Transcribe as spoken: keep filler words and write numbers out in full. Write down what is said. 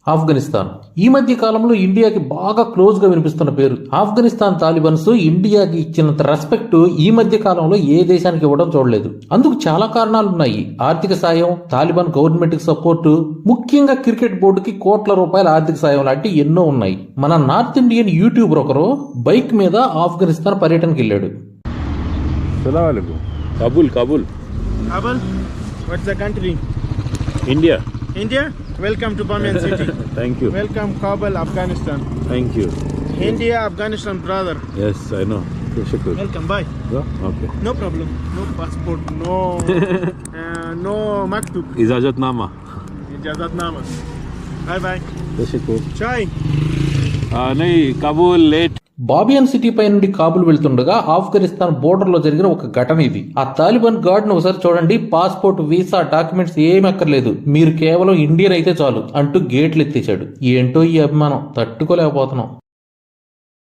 ఆఫ్ఘనిస్తాన్ ఈ మధ్య కాలంలో ఇండియాకి బాగా క్లోజ్ గా వినిపిస్తున్న పేరు. ఆఫ్ఘనిస్తాన్ తాలిబాన్స్ ఇండియాకి ఇచ్చినంత రెస్పెక్ట్ ఈ మధ్య కాలంలో ఏ దేశానికి ఇవ్వడం చూడలేదు. అందుకు చాలా కారణాలున్నాయి. ఆర్థిక సాయం, తాలిబాన్ గవర్నమెంట్ కి సపోర్టు, ముఖ్యంగా క్రికెట్ బోర్డుకి కోట్ల రూపాయల ఆర్థిక సాయం లాంటి ఎన్నో ఉన్నాయి. మన నార్త్ ఇండియన్ యూట్యూబర్ ఒకరు బైక్ మీద ఆఫ్ఘనిస్తాన్ పర్యటనకి వెళ్ళాడు. Kabul, Kabul. Kabul? What's the country? India. India? Welcome to Bamiyan City. Thank you. Welcome Kabul, Afghanistan. Thank you. India, Afghanistan, brother. Yes, I know. Shukr. Welcome, bye. Go? Okay. No problem. No passport, no uh, no maktub. Ijazatnama. Ijazatnama. Bye bye. Shukr. Chai. Uh, nahi, Kabul late. Bamiyan city పై నుండి కాబుల్ వెళ్తుండగా Afghanistan border లో జరిగిన ఒక ఘటన ఇది. ఆ Taliban gourd ను ఒకసారి చూడండి. పాస్పోర్ట్, వీసా, డాక్యుమెంట్స్ ఏమీ అక్కర్లేదు, మీరు కేవలం ఇండియన్ అయితే చాలు అంటూ గేట్లు ఎత్తేశాడు. ఏంటో ఈ అభిమానం తట్టుకోలేకపోతున్నాం.